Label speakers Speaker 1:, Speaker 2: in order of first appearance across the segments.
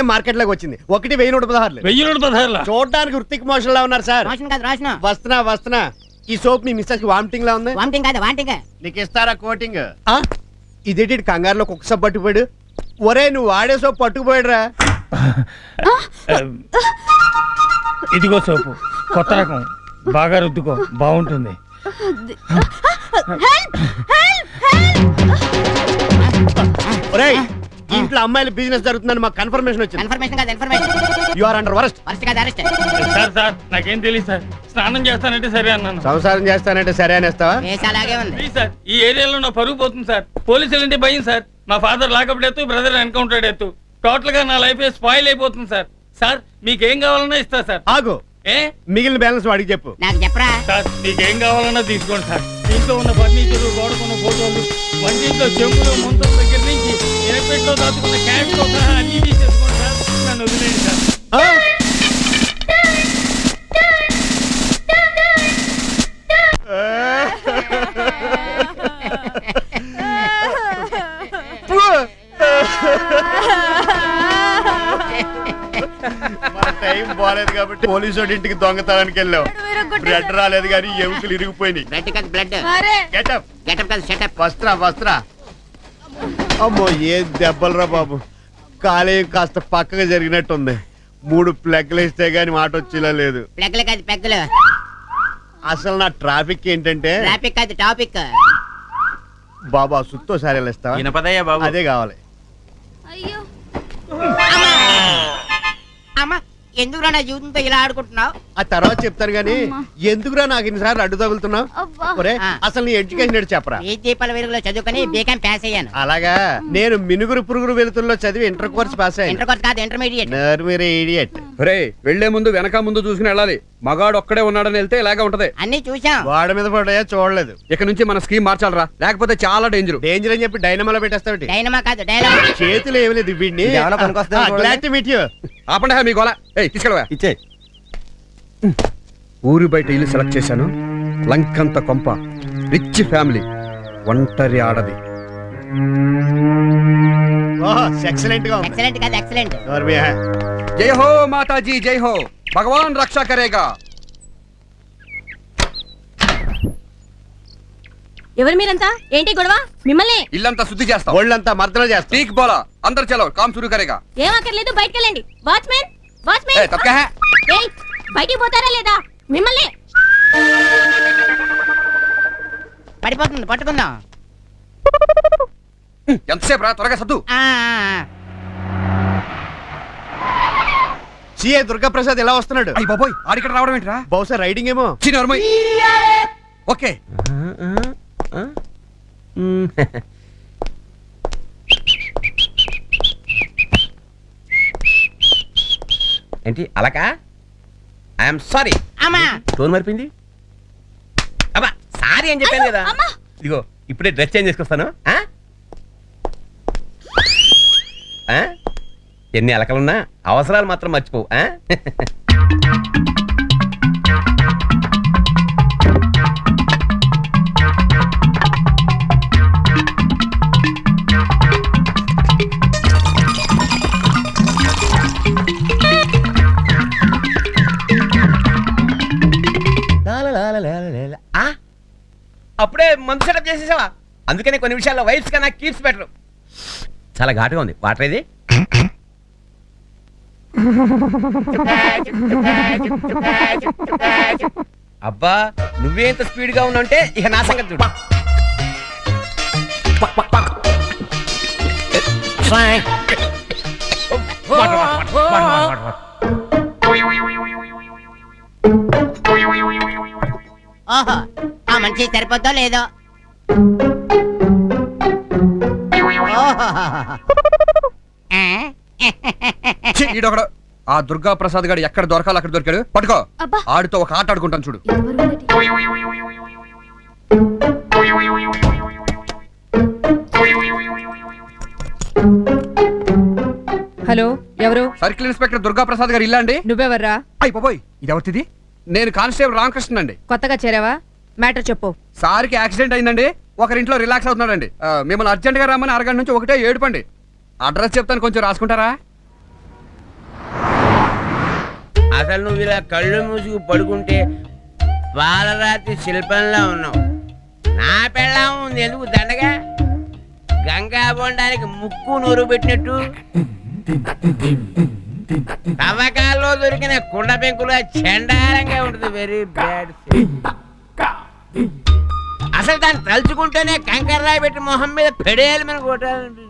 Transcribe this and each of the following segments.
Speaker 1: Market లోకి వచ్చింది. 1,116.
Speaker 2: 1116.
Speaker 1: చూడడానికి వృత్తికి మోషన్ లా ఉన్నారు సార్. వస్తున్నా. ఈ సోప్ మీ మిస్సెస్ కి వామిటింగ్ లా ఉంది. నీకు ఇస్తారా కోటింగ్? ఇదేంటి కంగారులో కుక్క సోప్ పట్టుకుపోయాడు? ఒరే నువ్వు వాడే సోప్ పట్టుకుపోయాడురా.
Speaker 2: ఇదిగో సోపు, కొత్త రకం, బాగా రుద్దుకో, బాగుంటుంది.
Speaker 1: ఒరేయ్ ఇంట్లో అమ్మాయిల బిజినెస్ జరుగుతుందని మాకు కన్ఫర్మేషన్ వచ్చింది. You are under arrest.
Speaker 2: Sir నాకేం తెలియదు సార్. స్నానం చేస్తానంటే సరే అన్నాను.
Speaker 1: సంసారం చేస్తానంటే సరే అనేస్తావా?
Speaker 2: ప్లీజ్ సార్, ఈ ఏరియాలో నా పరుగు పోతుంది సార్. పోలీసులు అంటే భయం సార్. మా father lockup death, brother encounter death. Total గా నా లైఫ్ స్పాయిల్ అయిపోతుంది సార్. సార్ మీకేం కావాలన్నా ఇస్తా సార్.
Speaker 1: ఆగు, మిగిలిన బ్యాలెన్స్ వాడికి చెప్పు.
Speaker 2: సార్ మీకేం కావాలన్నా తీసుకోండి సార్. ఇంట్లో ఉన్న ఫర్నిచర్, గోడకున్న ఫోటోలు, వంటింట్లో చెంబులు, ముంతల దగ్గర నుంచి ఎయిర్పెట్లో దాచుకున్న క్యాష్ తో సహా అన్ని తీసేసుకోండి సార్. నన్ను వదిలేయండి సార్.
Speaker 1: టైం బాలేదు కాబట్టి పోలీసు ఇంటికి దొంగతనానికి వెళ్ళావు. బ్లడ్ రాలేదు కానీ ఎముకలు ఇరిగిపోయినాయి. వస్త్రా. అమ్మో ఏ దెబ్బలరా బాబు. కాలేయం కాస్త పక్కగా జరిగినట్టుంది. 3 ప్లగ్లు ఇస్తే గానీ మాట వచ్చేలా లేదు. అసలు నా ట్రాఫిక్ ఏంటంటే బాబా సుత్తో సారీ ఇస్తావా? అదే కావాలి.
Speaker 3: ఎందుకురా నా జీవితంతో ఇలా ఆడుకుంటున్నావు?
Speaker 1: ఆ తర్వాత చెప్తాను గానీ ఎందుకురా నాకు ఇన్నిసార్లు అడ్డు తగులుతున్నావు? అసలు నీ ఎడ్యుకేషన్ ఏంటి చెప్పరా?
Speaker 3: ఈ దీపాల వెలుగులో చదువుకుని బీకాం పాస్ అయ్యాను.
Speaker 1: అలాగా? నేను మినుగురు పురుగురు వెలుతుల్లో చదివి ఇంటర్ కోర్స్ పాస్ అయ్యాను.
Speaker 3: ఇంటర్ కోర్స్ కాదు, ఇంటర్మీడియట్.
Speaker 1: ఇడియట్.
Speaker 4: వెళ్లే ముందు వెనక ముందు చూసుకుని వెళ్ళాలి. మగాడు ఒక్కడే ఉన్నాడని వెళ్తే ఇలాగే ఉంటది.
Speaker 3: అన్ని చూసాం.
Speaker 1: వాడ మీద పడ్డాయా? చూడలేదు.
Speaker 4: ఇక నుంచి మన స్కీమ్ మార్చాలరా, లేకపోతే చాలా డేంజర్
Speaker 1: అని చెప్పి డైనమాలో పెట్టేస్తావు.
Speaker 3: డైనమా కాదు, డైనమా.
Speaker 1: చేతులు ఏమి లేదు వీడిని.
Speaker 4: ఆపండి మీ గోల. తీసుకెళ్ళవా ఇచ్చే. ఊరి బయట ఇల్లు సెలెక్ట్ చేశాను. లంకంత కొంప, రిచ్ ఫ్యామిలీ, ఒంటరి ఆడది.
Speaker 1: ఎక్సలెంట్ గా
Speaker 3: ఎక్సలెంట్ కాదు, ఎక్సలెంట్.
Speaker 4: జై హో మాతాజీ, జై హో, భగవాన్ రక్షా కరేగా.
Speaker 5: ఎవరు మీరంతా? ఏంటి గొడవ? మిమ్మల్ని
Speaker 4: ఇల్లంతా శుద్ధి చేస్తాం,
Speaker 1: ఒళ్ళంతా మర్దన చేస్తాం.
Speaker 4: టీక్ బోలా అందరు చలో, కామ్ శురు కరేగా.
Speaker 5: ఏం అక్కర్లేదు, బయటికి వెళ్ళండి. వాచ్మెన్, వాచ్మెన్, ఏయ్ బయటికి పోతారా లేదా? మిమ్మల్ని.
Speaker 3: పడిపోతుంది, పట్టుకుందాం.
Speaker 4: ఎంతసేపు రా, త్వరగా సద్దు.
Speaker 1: సిఏ దుర్గా ప్రసాద్ ఎలా వస్తున్నాడు?
Speaker 4: అయ్యి బాబోయ్, ఆడిక్కడ రావడం ఏంట్రా?
Speaker 1: బహుశా రైడింగ్ ఏమో.
Speaker 4: చిన్నోర్మయ్. ఓకే.
Speaker 6: ఏంటి అలాకా? I'm sorry.
Speaker 3: అమ్మా
Speaker 6: టోన్ మరిపింది. అబ్బా సారీ అని చెప్పాను కదా. ఇదిగో ఇప్పుడే డ్రెస్ చేంజ్ చేసుకొస్తాను. ఎన్ని అలకలున్నా అవసరాలు మాత్రం మర్చిపోవు. అప్పుడే మందు సెటప్ చేసేసావా? అందుకనే కొన్ని విషయాల్లో వైఫ్స్ కన్నా కీప్స్ బెటర్. చాలా ఘాటుగా ఉంది. వాటర్ ఇది. అబ్బా నువ్వే ఇంత స్పీడ్ గా ఉన్నావంటే ఇక నా సంగతి చూడు.
Speaker 3: ఓహో, ఆ మనిషి సరిపోద్దో లేదో.
Speaker 4: ఈడొకడు ఆ దుర్గా ప్రసాద్ గారు ఎక్కడ దొరకాలి అక్కడ దొరికాడు. పట్టుకో, ఆడితో ఒక ఆట ఆడుకుంటాను చూడు.
Speaker 7: హలో, ఎవరు?
Speaker 4: సర్కిల్ ఇన్స్పెక్టర్ దుర్గా ప్రసాద్ గారు ఇల్లా అండి?
Speaker 7: నువ్వెవర్రా?
Speaker 4: అయిపోయి ఇది ఎవరిది? నేను కానిస్టేబుల్ రామకృష్ణ అండి.
Speaker 7: కొత్తగా చేరావా? మ్యాటర్ చెప్పు.
Speaker 4: సార్కి యాక్సిడెంట్ అయిందండి. ఒకరింట్లో రిలాక్స్ అవుతున్నాడండి. మిమ్మల్ని అర్జెంట్ గా రమ్మని అరగంట నుంచి ఒకటే ఏడుపండి. అడ్రస్ చెప్తాను, కొంచెం రాసుకుంటారా?
Speaker 6: అసలు నువ్వు ఇలా కళ్ళు మూసుకు పడుకుంటే పాలరాతి శిల్పంలో ఉన్నావు. నా పెళ్ళాం ఉంది ఎందుకు దండగా, గంగా బొండానికి ముక్కు నూరు పెట్టినట్టు తవ్వకాల్లో దొరికిన కుండ పెంకుల చండాలంగా ఉంటుంది. Very bad. అసలు దాన్ని తలుచుకుంటేనే కంకర్రాయి పెట్టి మొహం మీద పెడేయాలి మనం కొట్టాలనిపిస్తుంది.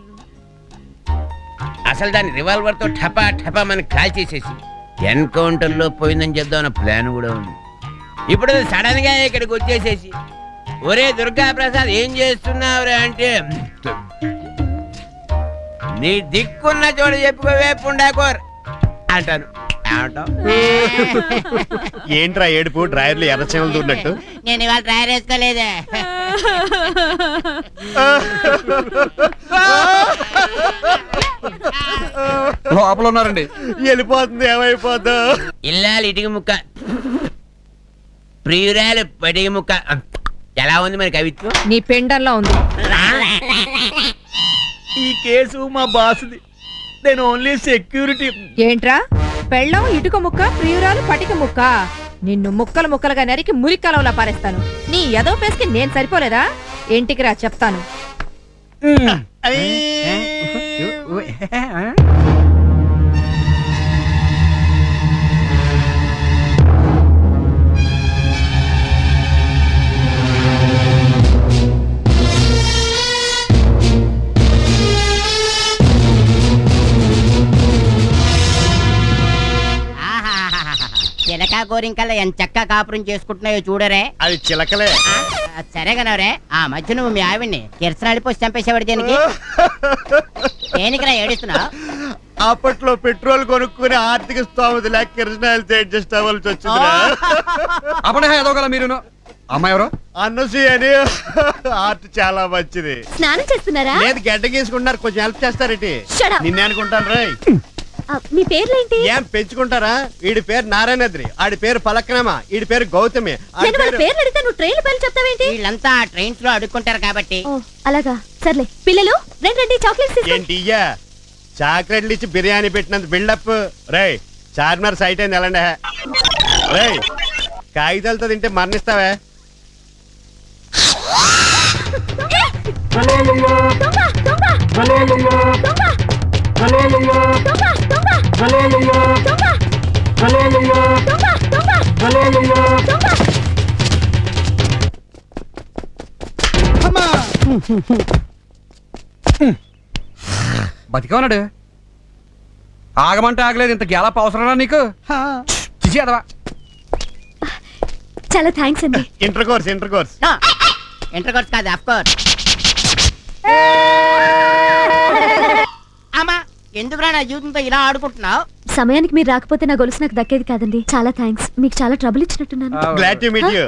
Speaker 6: అసలు దాన్ని రివాల్వర్ తో ఠపా ఠపా మనకి కాల్ చేసేసి ఎన్కౌంటర్ లో పోయిందని చెప్దామన్న ప్లాన్ కూడా ఉంది. ఇప్పుడు సడన్ గా ఇక్కడికి వచ్చేసేసి ఒరే దుర్గా ప్రసాద్ ఏం చేస్తున్నావురా అంటే నీ దిక్కున్న చోటు చెప్పుకోవే పుండాకోర్ అంటాను.
Speaker 1: ఏంట్రా ఏడుపు, డ్రైవర్లు ఎర్రచేమలు దూరినట్టు?
Speaker 3: నేను ఇవాళ డ్రైవర్ వేసుకోలేదే.
Speaker 4: లోపల ఉన్నారండి.
Speaker 1: వెళ్ళిపోతుంది, ఏమైపోద్దు.
Speaker 6: ఇల్లాలి ఇటుక ముక్క, ప్రియురాలు పడిగ ముక్క. ఎలా ఉంది మరి కవిత్వం?
Speaker 7: నీ పెండల్లో ఉంది.
Speaker 2: ఈ కేసు మా బాసుది. నేను ఓన్లీ సెక్యూరిటీ.
Speaker 7: ఏంట్రా పెళ్ళం ఇటుక ముక్క, ప్రియురాలు పటిక ముక్క. నిన్ను ముక్కలు ముక్కలుగా నరికి మురికలవలా పారేస్తాను. నీ ఎదో పేస్కి నేను సరిపోలేదా? ఇంటికి రా చెప్తాను.
Speaker 3: చిలక గోరింకల్లా ఎంత చక్క కాపురం చేసుకుంటున్నాయో చూడరే.
Speaker 1: అది చిలకలే.
Speaker 3: సరే కనవరే, ఆ మధ్య నువ్వు మీ ఆవిడ్ని కిరసనాడి పోసి చంపేసేవాడు దేనికి? దేనికిరా ఏడుస్తున్నావు?
Speaker 1: అప్పట్లో పెట్రోల్ కొనుక్కుని ఆర్థిక స్తోమత లేక కిరసనాయలు అడ్జస్ట్ అవ్వాల్సి వచ్చిందిరా.
Speaker 4: అప్పుడే ఎదవగల మీరు. అమ్మాయి ఎవరు?
Speaker 1: అన్నసి అని. ఆర్ట్ చాలా మంచిది.
Speaker 5: స్నానం చేస్తున్నారా?
Speaker 1: లేదు, గడ్డ గీసుకుంటున్నారు. కొంచెం హెల్ప్ చేస్తారేటి?
Speaker 5: Shut up.
Speaker 1: నిన్నే అనుకుంటాను రా.
Speaker 5: మీ పేర్లేంటి?
Speaker 1: ఏం పెంచుకుంటారా? వీడి పేరు నారాయణద్రి, ఆడి పేరు పలక్నమ, వీడి పేరు గౌతమి.
Speaker 5: నేను వాళ్ళ పేర్లు అడిగితే నువ్వు ట్రైన్ పేర్లు చెప్తావేంటి?
Speaker 3: వీళ్ళంతా ట్రైన్స్ లో అడుక్కుంటారు కాబట్టి.
Speaker 5: ఓ అలాగా, సర్లే. పిల్లలు రండి, చాక్లెట్స్ తీసుకోండి.
Speaker 1: ఏంటి ఇయ్యా చాక్లెట్లు ఇచ్చి బిర్యానీ పెట్టినంత బిల్డప్. రేయ్ చార్మినార్ సైట్ అయింది ఎలాండే. రేయ్ కాగితాలతో తింటే మరణిస్తావే.
Speaker 4: బతిగా ఉన్నాడు. ఆగమంటే ఆగలేదు. ఇంత గ్యాలప్ అవసరమా నీకు? చిచి అదవా.
Speaker 5: చాలా థ్యాంక్స్ అండి.
Speaker 1: ఇంటర్ కోర్స్
Speaker 3: ఇంటర్ కోర్స్ కాదు, ఆఫ్ కోర్స్. అమ్మా ఎందుకురా నా జీవితంతో ఇలా ఆడుకుంటున్నావు?
Speaker 5: సమయానికి మీరు రాకపోతే నా గొలుసు నాకు దక్కేది కాదండి. చాలా థ్యాంక్స్. మీకు చాలా ట్రబుల్ ఇచ్చినట్టున్నాను.
Speaker 1: Glad to meet you.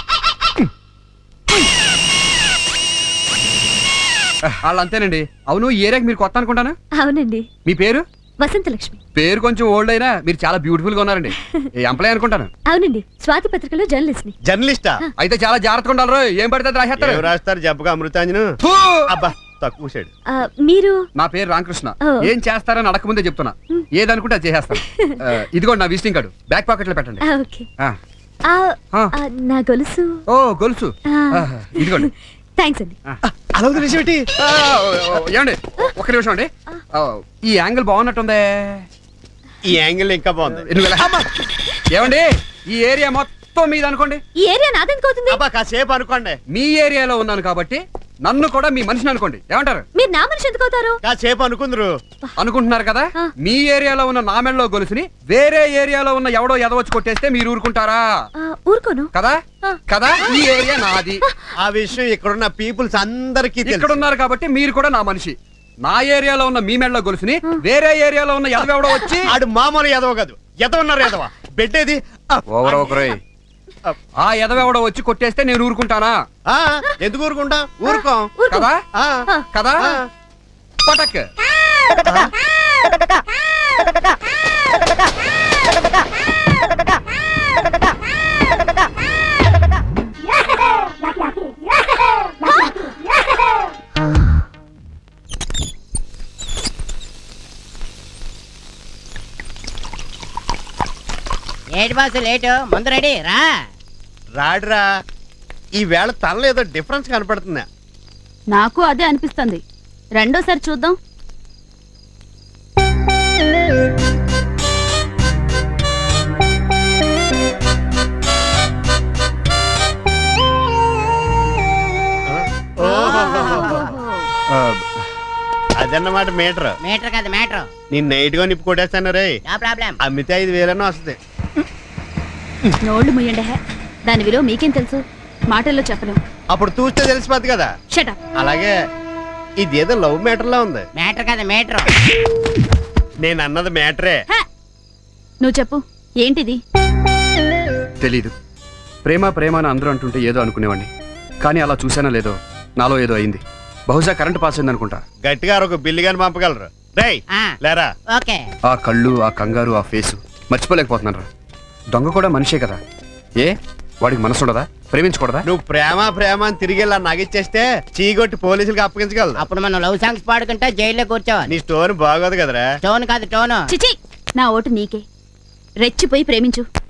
Speaker 4: వాళ్ళు అంతేనండి. అవును, ఈ ఏరియాకి మీరు కొత్త అనుకుంటాను.
Speaker 5: అవునండి.
Speaker 4: మీ పేరు?
Speaker 5: వసంతలక్ష్మి.
Speaker 4: పేరు కొంచెం ఓల్డ్ అయినా మీరు చాలా బ్యూటిఫుల్ గా ఉన్నారండి. ఎంప్లాయ్ అనుకుంటాను.
Speaker 5: అవునండి, స్వాతి పత్రికలో జర్నలిస్ట్ ని.
Speaker 1: జర్నలిస్టా?
Speaker 4: అయితే చాలా జాగ్రత్తగా ఉండాలి. ఏం పడితే రాసేస్తారు.
Speaker 1: ఏం రాస్తారు? జబ్బుగా అమృతాంజను. అబ్బా తక్కువ సైడ్.
Speaker 5: మీరు?
Speaker 4: నా పేరు రామకృష్ణ.
Speaker 5: ఓ.
Speaker 4: ఏం చేస్తారని అడగకముందే చెప్తున్నా. ఏదనుకుంటే అది చేసేస్తాను. ఇదిగోండి నా విజిటింగ్ కార్డు. బ్యాక్ పాకెట్ లో పెట్టండి.
Speaker 5: ఓకే.
Speaker 4: ఆ.
Speaker 5: నా గొలుసు.
Speaker 4: ఓ గొలుసు. ఇదిగోండి.
Speaker 5: థ్యాంక్స్ అండి.
Speaker 1: అలా విషయం ఏంటి?
Speaker 4: ఏమండి ఒక్క నిమిషం అండి. ఈ యాంగిల్ బాగున్నట్టుందే.
Speaker 1: ఈ యాంగిల్ ఇంకా బాగుంది.
Speaker 4: ఏమండి ఈ ఏరియా మొత్తం మీద అనుకోండి.
Speaker 5: ఈ ఏరియా నాదెందుకవుతుంది?
Speaker 1: అబ్బా కాసేపు అనుకోండి.
Speaker 4: మీ ఏరియాలో ఉన్నాను కాబట్టి నన్ను కూడా మీ మనిషిని అనుకోండి. ఏమంటారు?
Speaker 5: మీరు నా మనిషి ఎందుకు అవుతారు?
Speaker 1: కాసేపు అనుకుందరు.
Speaker 4: అనుకుంటున్నారు కదా. మీ ఏరియాలో ఉన్న నా మెడలో గొలుసుని వేరే ఏరియాలో ఉన్న ఎవడో ఎదవచ్చి కొట్టేస్తే మీరు ఊరుకుంటారా?
Speaker 5: ఊరుకోను
Speaker 4: కదా కదా. ఈ ఏరియా నాది.
Speaker 1: ఆ విషయం ఇక్కడున్న పీపుల్స్ అందరికీ
Speaker 4: ఇక్కడ ఉన్నారు కాబట్టి మీరు కూడా నా మనిషి. నా ఏరియాలో ఉన్న మీ మెడలో గొలుసుని వేరే ఏరియాలో ఉన్న ఎదవెవడో వచ్చి
Speaker 1: ఆడు మామూలు ఎదవ కాదు, ఎదవన్నారు ఎదవ. బెడ్డేది
Speaker 4: ఓవర్ ఒకరే. ఆ ఎదవెవడో వచ్చి కొట్టేస్తే నేను ఊరుకుంటానా?
Speaker 1: ఎందుకు ఊరుకుంటా? ఊరుకోం
Speaker 4: కదా
Speaker 1: ఆ.
Speaker 4: కదా. పటక్.
Speaker 3: ఏటి బాసు లేటు ముందు రెడీ రా.
Speaker 1: రాడురా, ఈ వేళ తనలో ఏదో డిఫరెన్స్ కనపడుతుందా?
Speaker 5: నాకు అదే అనిపిస్తుంది. రెండోసారి చూద్దాం.
Speaker 1: అదన్నమాట మీటర్.
Speaker 3: మీటర్ కాదు మ్యాటర్.
Speaker 1: నేను నైట్ గా నిప్పు కొట్టేస్తాను రే.
Speaker 3: No problem.
Speaker 1: అమ్మితే 5,000 వస్తుంది.
Speaker 5: నోళ్ళు ముయ్యండి. దాని విలువ మీకేం తెలుసు? మాటల్లో చెప్పలేం.
Speaker 1: అప్పుడు చూస్తే తెలిసిపోద్ది కదా.
Speaker 5: షటప్.
Speaker 1: అలాగే ఇదేదో లవ్ మ్యాటర్ లా ఉంది.
Speaker 3: మ్యాటర్ కాదు మీటర్.
Speaker 1: నేను అన్నది మ్యాటరే.
Speaker 5: నువ్వు చెప్పు, ఏంటిది?
Speaker 4: తెలీదు. ప్రేమ ప్రేమ అని అందరూ అంటుంటే ఏదో అనుకునేవాడిని, కానీ అలా చూసానో లేదో నాలో ఏదో అయింది. బహుశా కరెంట్ పాస్ అయింది అనుకుంటా.
Speaker 1: గట్టిగా ఒక బిల్లు గాని పంపగలరు. రేయ్
Speaker 3: ఆ.
Speaker 1: లేరా.
Speaker 3: ఓకే.
Speaker 4: ఆ కళ్ళు, ఆ కంగారు, ఆ ఫేసు మర్చిపోలేకపోతున్నాను రా. దొంగ కూడా మనిషే కదా, ఏ వాడికి మనసు ఉండదా? ప్రేమించకూడదా?
Speaker 1: నువ్వు ప్రేమ ప్రేమ అని తిరిగి ఇలా నగిచ్చేస్తే చీగొట్టి పోలీసులకు అప్పగించగలరు.
Speaker 3: అప్పుడు మనం లవ్ సాంగ్స్ పాడుకుంటే జైల్లో కూర్చోవాలి.
Speaker 1: నీ స్టోరీ బాగోదు కదరా.
Speaker 3: టోన్ కాదు టోను.
Speaker 5: చిచి, నా ఓటు నీకే. రెచ్చిపోయి ప్రేమించు.